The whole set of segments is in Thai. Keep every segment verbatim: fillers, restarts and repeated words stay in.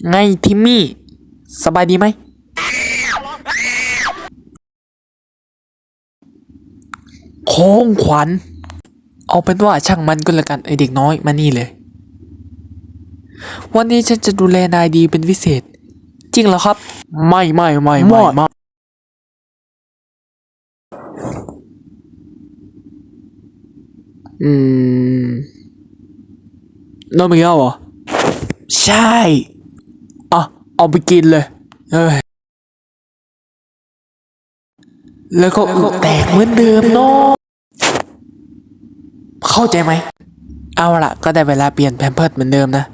ไงทิมมี่สบายดีไหมโค้งขวัญเอาเป็นว่าช่างมันก็แล้วกันไอเด็กน้อยมานี่เลยวันนี้ฉันจะดูแลนายดีเป็นพิเศษจริงเหรอครับไม่ไม่ไม่ไม่ไม่อืมนมอีกแล้วเหรอใช่อ่ะเอาไปกินเลยเอ้ยแล้วก็แตกเหมือนเดิมเนาะเข้าใจไหมเอาล่ะก็ได้เวลาเปลี่ยนแพมเพิร์สเหมือนเดิมนะ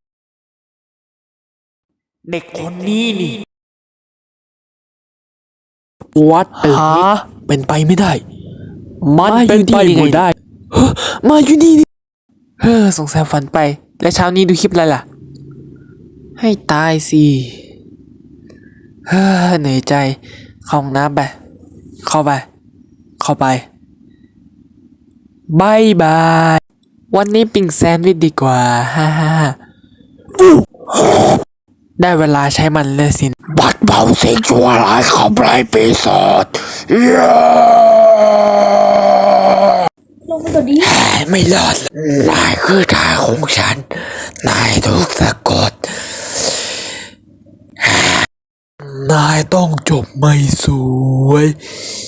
เด็กคนนี้นี่วัดตึกนี้เป็นไปไม่ได้มันเป็นไปไม่ได้เฮ้อมาอยู่นี่นี่เฮ้อสงสัยฝันไปและเช้านี้ดูคลิปอะไรล่ะให้ตายสิเฮ้อเหนื่อยใจเข้าห้องน้ำไปเข้าไปเข้าไปบายบายวันนี้ปิ้งแซนด์วิชดีกว่าฮ่าฮ่าได้เวลาใช้มันเลยสิบัดเบาสิ่งชั่วร้ายขับไล่ปีศาจลงไปก่อนดิไม่รอดนายคือทางของฉันนายถูกสะกดนายต้องจบไม่สวย